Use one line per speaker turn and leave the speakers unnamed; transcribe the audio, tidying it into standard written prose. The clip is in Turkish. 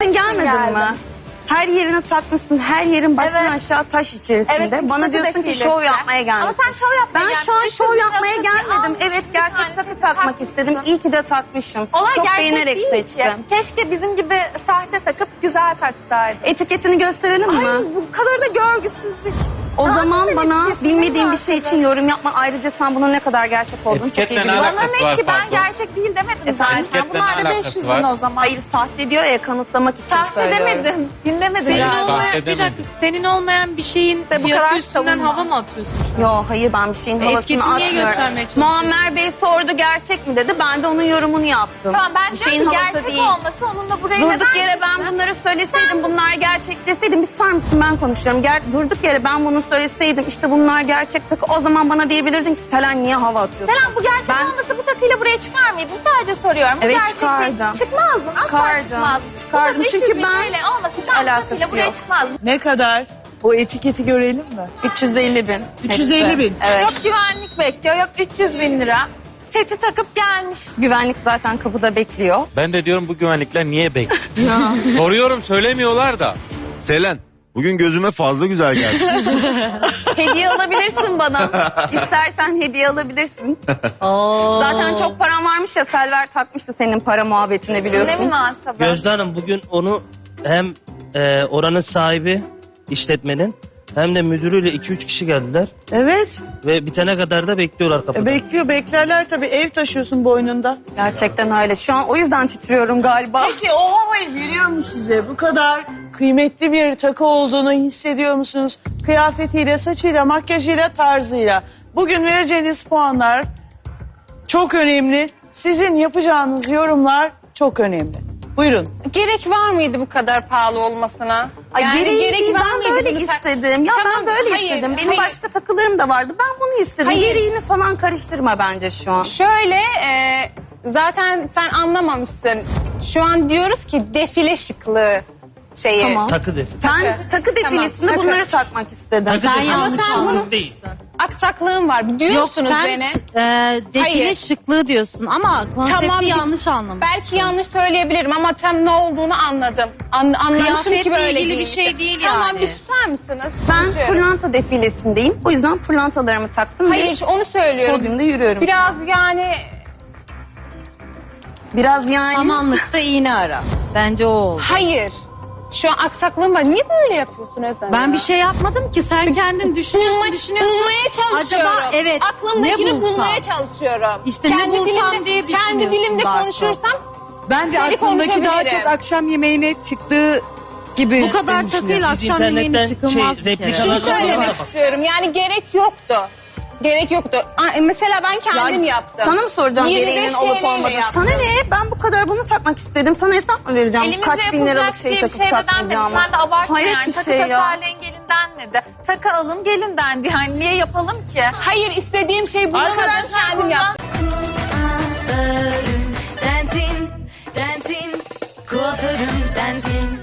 için gelmedin
geldim.
mi? Her yerine takmışsın, her yerin baştan
Evet.
aşağı taş içerisinde.
Evet, çünkü
Bana
takı
diyorsun ki
defilesi.
şov yapmaya gelmişsin.
Ama sen şov yapmaya
Ben
gelmişsin.
şu an
300
şov
lira
yapmaya
takı
gelmedim.
almışsın,
Evet,
bir
gerçek
tanesini
takı takmak
takmışsın.
istedim. İyi ki de takmışım.
Olay
Çok
gerçek
beğenerek
değil ki.
seçtim.
Keşke bizim gibi sahte takıp güzel taksaydın.
Etiketini gösterelim mi?
Ay bu kadar da görgüsüzlük.
O
Ne
zaman
yapayım ben
bana
etiketini
bilmediğin
mi
bir şey için
bahsedeyim?
yorum yapma. Ayrıca sen bunun ne kadar gerçek olduğunu çok iyi
Etiketle ne
biliyorsun.
Bana
alakası
ne
var,
ki ben
pardon?
gerçek değil demedim zaten.
Etiketle
Bunlar
ne
da
alakası
500
var?
bin o zaman.
Hayır, sahte diyor ya, kanıtlamak için
Sahte
söylüyorum.
demedim. Dinlemedim.
Senin
ya.
Sahte
olmayan, bir
demedim.
dakika, senin olmayan bir şeyin
bu kadar
fiyatı üstünden
savunma.
hava mı atıyorsun?
Yo, hayır, ben bir şeyin havasını
Etiketini niye
atmıyorum.
göstermeye çalışıyorsun?
Muammer Bey sordu gerçek mi dedi. Ben de onun yorumunu yaptım.
Tamam ben
Bir
diyorum ki gerçek olması onunla buraya neden
Durduk yere
çıktı?
ben bunları söyleseydim, bunlar gerçek deseydim, bir susar mısın, ben konuşuyorum. Durduk yere ben bunu söyleseydim, işte bunlar gerçek takı, o zaman bana diyebilirdin ki Selen niye hava atıyorsun?
Selen bu gerçek
Ben-
olmasa bu takıyla buraya çıkar mıydın? Sadece soruyorum. Bu
Evet,
gerçek
çıkardım.
değil. Çıkmazdın. Asla
Çıkardım.
çıkmazdın.
Çıkardım.
Bu takı
Çünkü
300 bin
ben-
TL olmasa
hiç
ben bu
alakası
takıyla buraya
yok.
çıkmazdım.
Ne kadar? O etiketi görelim mi?
350 bin.
350 bin.
Evet.
Yok güvenlik bekliyor, yok 300 bin lira. Seti takıp gelmiş.
Güvenlik zaten kapıda bekliyor.
Ben de diyorum bu güvenlikler niye bekliyor? Soruyorum, söylemiyorlar da.
Selen, bugün gözüme fazla güzel geldi.
Hediye alabilirsin bana. İstersen hediye alabilirsin. Zaten çok param varmış ya, Selver takmıştı senin para muhabbetine,
Ne
biliyorsun.
münasebet.
Gözde Hanım bugün onu hem oranın sahibi işletmenin hem de müdürüyle 2-3 kişi geldiler.
Evet.
Ve bitene kadar da bekliyorlar kapıda.
Beklerler tabii. Ev taşıyorsun boynunda.
Gerçekten öyle. Şu an o yüzden titriyorum galiba.
Peki o havayı veriyor mu size? Bu kadar kıymetli bir takı olduğunu hissediyor musunuz? Kıyafetiyle, saçıyla, makyajıyla, tarzıyla. Bugün vereceğiniz puanlar çok önemli. Sizin yapacağınız yorumlar çok önemli. Buyurun.
Gerek var mıydı bu kadar pahalı olmasına?
Ay, gereği değil,
var
ben
mıydı
böyle
bunu
istedim. Ya
Tamam,
ben böyle
hayır,
istedim. Benim
hayır.
başka takılarım da vardı. Ben bunu istedim.
Hayır.
Gereğini falan karıştırma bence şu an.
Şöyle zaten sen anlamamışsın. Şu an diyoruz ki defile şıklığı şeyi.
Tamam.
Takı de.
Ben takı defilesinde
Tamam, takı.
bunları takmak istedim.
Takı
Sen
de-
yanlış
sen bunu-
anladın.
değil.
Aksaklığın var.
Yok
Diyorsunuz
sen
beni.
defile
Hayır.
şıklığı diyorsun ama konsepti
Tamam,
yanlış anlamışsın.
Belki yanlış söyleyebilirim ama tam ne olduğunu anladım. Anlamışım ki
Kıyafetle
böyle
ilgili bir
giymişim.
şey değil
Tamam
yani.
bir susar mısınız?
Ben
Konuşuyorum.
pırlanta defilesindeyim. O yüzden pırlantalarımı taktım.
Hayır onu söylüyorum.
Podyumda yürüyorum.
Biraz yani
Biraz yani.
Samanlıkta iğne ara. Bence o oldu.
hayır. Şu an aksaklığım var. Niye böyle yapıyorsun Özlem
Ben
ya?
bir şey yapmadım ki, sen kendin düşünüyorsun.
Bulmaya çalışıyorum.
Acaba evet,
Aklımdakini
ne bulsam?
bulmaya çalışıyorum.
İşte ne bulsam diye
Kendi
düşünüyorsun
dilimde
daha çok.
konuşursam
Bence
seni
aklındaki daha
konuşabilirim.
çok akşam yemeğine çıktığı gibi.
Bu kadar
düşünüyorum.
takıyla
Biz
akşam yemeğine
internetten
çıkılmaz
şey,
bir kere.
replikalar
şunu söylemek istiyorum. Yani gerek yoktu. Gerek yoktu. Mesela ben kendim yaptım.
Sana mı soracağım
25
gereğinin olup
TL 'yle
olmadığını?
yaptım.
Sana ne? Ben bu kadar bunu takmak istedim. Sana hesap mı vereceğim?
Elimizde
Kaç bin liralık
yapılacak
şey
diye bir
takıp
şey de denmedi.
takmayacağımı?
Sen de abartma
Hayret
yani.
bir
Takı
şey ya.
tasarlayın gelin denmedi. Takı alın gelin dendi. Yani niye yapalım ki?
Hayır istediğim şeyi bulamadım. Kendim yaptım.
Sensin, sensin, kuaförüm sensin.